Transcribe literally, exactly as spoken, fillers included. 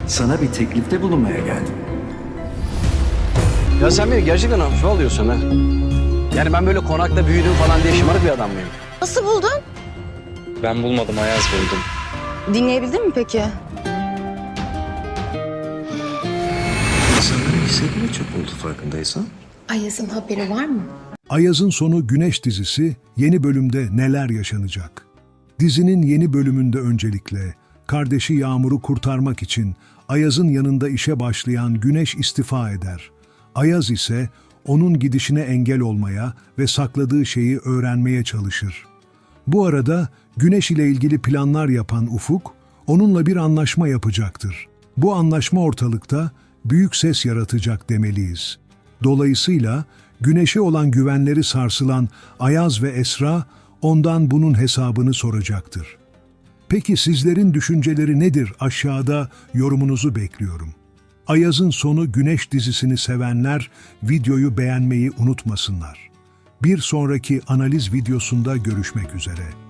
Sana bir teklifte bulunmaya geldim. Ya sen beni gerçekten hafife alıyorsun ha. Yani ben böyle konakta büyüdüm falan diye şımarık bir adam mıyım? Nasıl buldun? Ben bulmadım, Ayaz buldum. Dinleyebildin mi peki? İnsanların hissetme çok oldu farkındaysan. Ayaz'ın haberi var mı? Ayaz'ın Sonu Güneş dizisi yeni bölümde neler yaşanacak? Dizinin yeni bölümünde öncelikle kardeşi Yağmur'u kurtarmak için Ayaz'ın yanında işe başlayan Güneş istifa eder. Ayaz ise onun gidişine engel olmaya ve sakladığı şeyi öğrenmeye çalışır. Bu arada Güneş ile ilgili planlar yapan Ufuk, onunla bir anlaşma yapacaktır. Bu anlaşma ortalıkta büyük ses yaratacak demeliyiz. Dolayısıyla Güneş'e olan güvenleri sarsılan Ayaz ve Esra ondan bunun hesabını soracaktır. Peki sizlerin düşünceleri nedir? Aşağıda yorumunuzu bekliyorum. Ayaz'ın Sonu Güneş dizisini sevenler videoyu beğenmeyi unutmasınlar. Bir sonraki analiz videosunda görüşmek üzere.